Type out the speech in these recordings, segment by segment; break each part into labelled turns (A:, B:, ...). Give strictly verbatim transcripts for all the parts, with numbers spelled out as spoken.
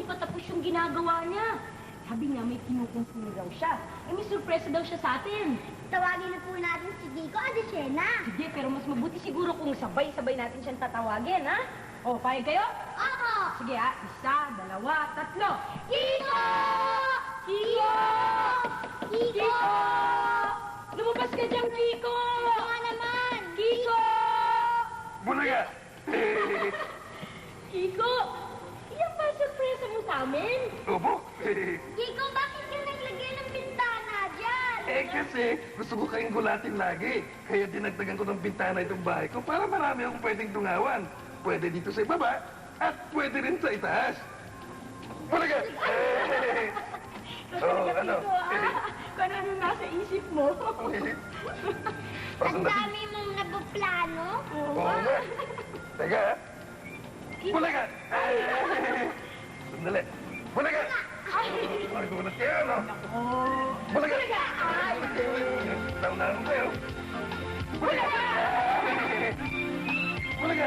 A: di pa tapos yung ginagawa niya. Sabi niya may kinukumpuni raw siya. Eh, may surpresa daw siya sa atin.
B: Tawagin na po natin si Kiko at si Shena.
A: Sige, pero mas mabuti siguro kung sabay-sabay natin siyang tatawagin, ha? O, payag kayo?
B: Opo!
A: Sige, ha? Isa, dalawa, tatlo.
B: Kiko!
A: Kiko!
B: Kiko!
A: Lumabas ka dyan, Kiko!
B: Kiko nga naman!
A: Kiko!
C: Bulaga!
A: Kiko! Iyan ba surpresa mo sa amin?
C: Opo.
B: Kiko, bakit ka naglagay ng bintana dyan?
C: Eh kasi gusto ko kayong gulatin lagi. Kaya dinagdagan ko ng bintana itong bahay ko para marami akong pwedeng tungawan. Pwede dito sa ibaba at pwede rin sa itaas. Bulaga!
A: Ito
C: Oo,
A: talaga,
C: ano?
A: Kiko, ha? Kung ano nasa isip mo.
B: Ang dami mong nabuplano.
A: Oo
C: Oo
A: nga.
C: nga. Teka, ha? Bulaga! Sandali. Bulaga!
A: Ay!
C: Ay, gulat kayo, no?
A: Oh.
C: Bulaga!
A: Ay!
C: Naunahan ko kayo. Bulaga! Bulaga!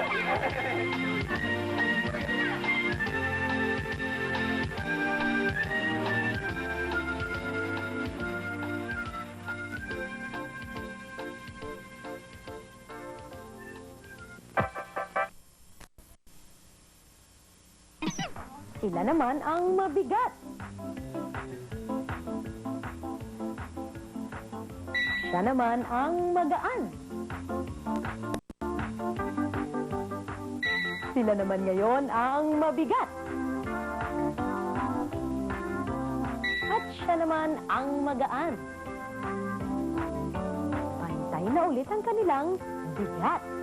D: Sila naman ang mabigat. Siya naman ang magaan. Sila naman ngayon ang mabigat. At siya naman ang magaan. Pantay na ulit ang kanilang bigat.